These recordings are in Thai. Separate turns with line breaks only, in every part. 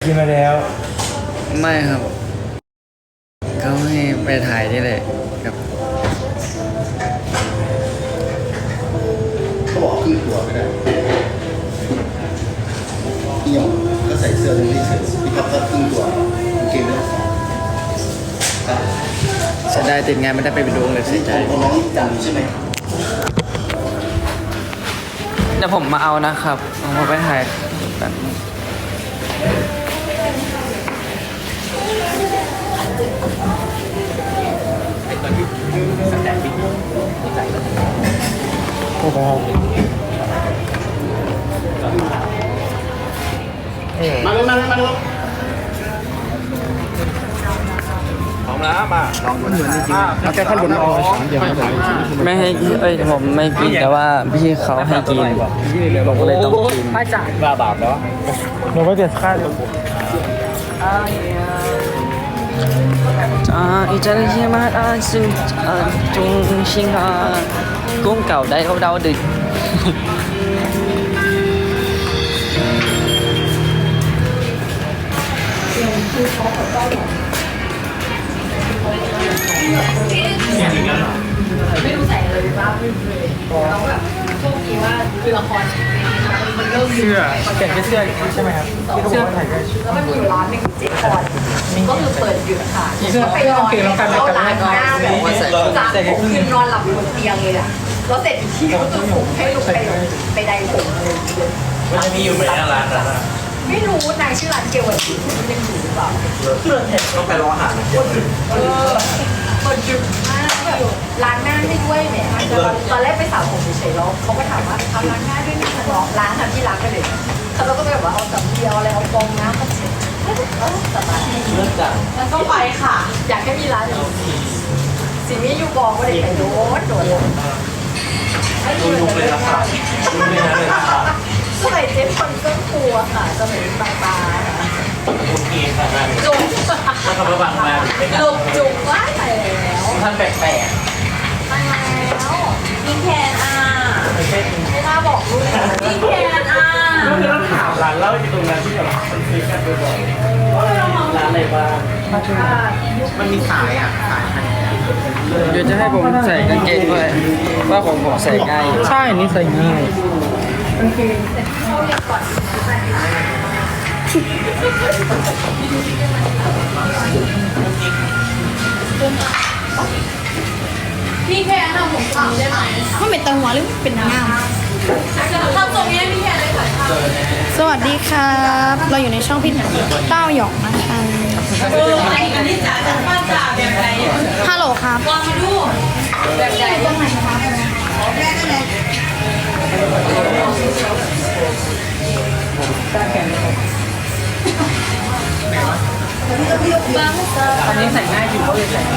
กินมาแล้ว
ไม่ครับเขาให้ไปถ่ายนี่เลยครับ
เขาบอกครึ่งตัวไม่ได้พี่หยองก็ใส่เสื้อตรงนี้เฉยพี่ครับก็ครึ่งตัวเกงด้วย
เสียดายติดงานไม่ได้ไปดูเลยเสียใจ
ของน้องจังใช่ไหม
เดี๋ยวผมมาเอานะครับผมไปถ่ายกัน
โอ้โห
มาเลย
พร้อมแล้วมาลองมันเหมือนจริงๆเอาแค่ขั้นบนเอาเดี๋ยว
ไม่ให้ผมไม่กินแต่ว่าพี่เขาให้กินผมก็เลยต้องกิน
ไม่จ่ายบาปแล้วเราก็จะค่า
อีจันเฮียมาซึ่งจุงชิงกุ้งเก่าได้เขาเดาดึก
ไม่รู้ใส่อะไรไปบ้างเราแบบโชคดีว่าคือละครมันเริ่ม
เสื้อแกะเสื้อใช่ไหมครับที่เขาบอกว่าถ่ายได้
แล้วมันมีอยู่ร้านหนึ่งเจ๊พรก็คือเปิดหยุดค่ะไปนอนเข้าร้านหน้าแบบว่าจากผมคือนอนหลับอยู่บนเตียงเลยอ่ะแล้วเสร็จอีกทีก็คือผมให้ลุกไปใดผมอะไรอย่างเงี้ย
มันจะมีอยู่ไหมร้านนั้น
ไม่รู้นายชื่อร้านเกวันที่มันยังอยู่หรือเปล่า
เพื่อนเห็นต้องไปรออาหาร
เปิดหยุดมากแบบล้างหน้าไม่ด้วยเนี่ยตอนแรกไปสระผมเฉยๆแล้วเขาก็ถามว่าทำล้างหน้าด้วยไหมคะล้างค่ะที่ล้างไปเลยเขาก็แบบว่าเอาสำเดียวอะไรเอาฟองน้ำมาเช็ดสบาย
เลือกจัง
แล้วก็ไปค่ะอยากให้มีร้านสิ่งนี้อยู่บอกว่าเด็กไปโดน
ดูลุกเลยนะครับดูเลยนะเลยครับ
สมัยเจ๊คนเครื่องครัวค่ะสมัยปลายค่ะ
โอเคค่ะ
จุก
แล้วก็ระวังมา
จุกว่าไปแล้ว
ท่านแปลก
ไปแล้วมีแคนไม่น่าบอกลูกมีแคน
ก็คือต้องถามร้านเหล้าอยู่ตรงนั้นที่แบบมันซื้อกันบ่อยๆร้านอะไรบ้างมันมีสายสาย
เดี๋ยวจะให้ผมใส่กางเกงด้วยว่าผมใส่ง่าย
ใช่นี่ใส่ง่าย
พี่แค่ทำผมทำได้ไหม
ไม่เป็นตังหัวหรือเป็นนางงาม
ทำตรงนี้พี่แค่ได้ค่ะ
สวัสดีครับ เราอยู่ในช่องพี่เต้าหยองนะคะ
อันนี้จ๋าจากบ้านจ๋าแบบไหน
ฮัลโหลครับ
ลองมาดูแบบไหนตรงไหนคะแม่ก็เลย
อันนี้ใส่ง่ายอยู่เขาเลยใส่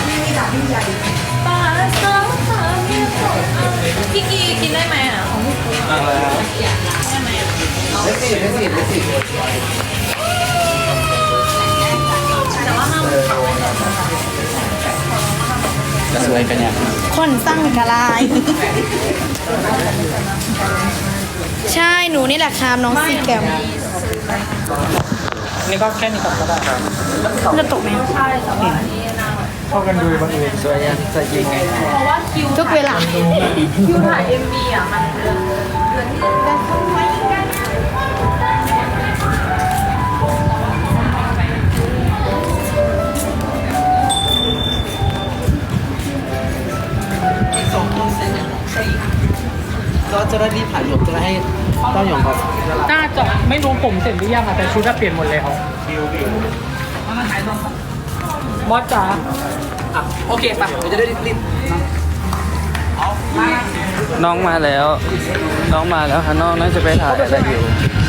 พี่กีกินได้ไหมอ่ะได้ไหมแต่ว่าห้าม
จะสวยกันเนี่ย
คนสร้างกะลาย ใช่หนูนี่แหละครับน้องซีแกม
นี่ก็แค่นี้ก่อนก็ได้ครับ
จะตกไหม
ใช่แต่ว่า
เข้ากันดูบางเอิญ
สวยยังใส่ยังไง
เพราะว่าคิว
ทุกเวลา
คิวถ่าย MV อ่ะมันเดือน
ก็จะได้รีบถ่ายหยกจะได้ให้เต้าหยองก่อน
น่าจะไม่รู้ผมเสร็จหรือยังอะแต่ชุดเปลี่ยนหมดแล้วมอสจ๋า
โอเคป่ะเดี๋ยวจะได้รีบ
น้องมาแล้วค่ะน้องน่าจะไปถ่ายอะไรอยู่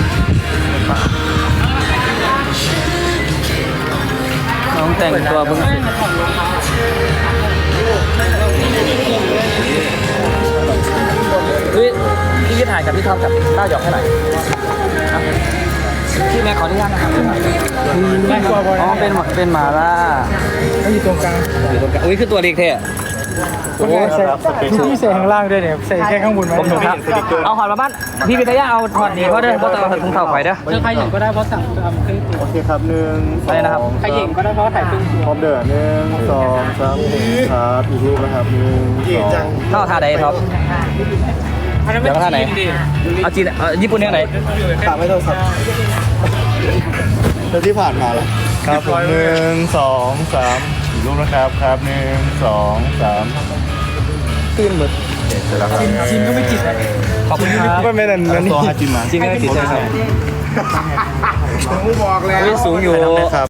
น้องแต่งตัวเพิ่งเสร็จ
พี่จะถ่ายกับพี่ท็อปกับเต้าหยองให้หน่อยพี่แม่ขออนุญาตนะครับ
อ๋อเป็นหมาล่า
อยู่ตรงกลาง
อุ้ยคือตัวเล็กแท้
โอ้ใส่พี่ใส่ข้างล่างด้วยเนี่ยใส่แค่ข้างบนไว้
ผมถูกครับเอาหอดมาบ้านพี่เป็นตาย่างเอาถอดหนีเพราะเด้อเพราะเอาถุงเท้าไข่เด้อ
เจอใครเห็นก็ได้เพราะสั่งทำเครื่องตัว
โอเคครับ1
อะไรนะครับ
ใครเห็นก็ได้เพราะถ่ายเครื่องตัว
พร้อมเด้อ1 2 3ครับอีกรูปนะครับ1 2
เท่าท่าใดท็อป
อันนั้น
เดี๋
ไม่
ยวท่าไหน
จีนดิ
เอาจีนญี่ปุ่นเนี่ยไหน
ฝากไม่โทรศัพท์แล้วที่ผ่านมาล่ะครับผม1 2 3อีกรูปนะครับครับ1 2 3ตื่นหมดเสร็จแล้วครับ
จีนก็ไม่จีนนะ
ขอบคุณครับ
ไม่เป็นไรนี่ตัวฮาจิมะ
จีนก็ไม่ติดใช่ไหม
ผมบอกแล้ว
สูงอยู่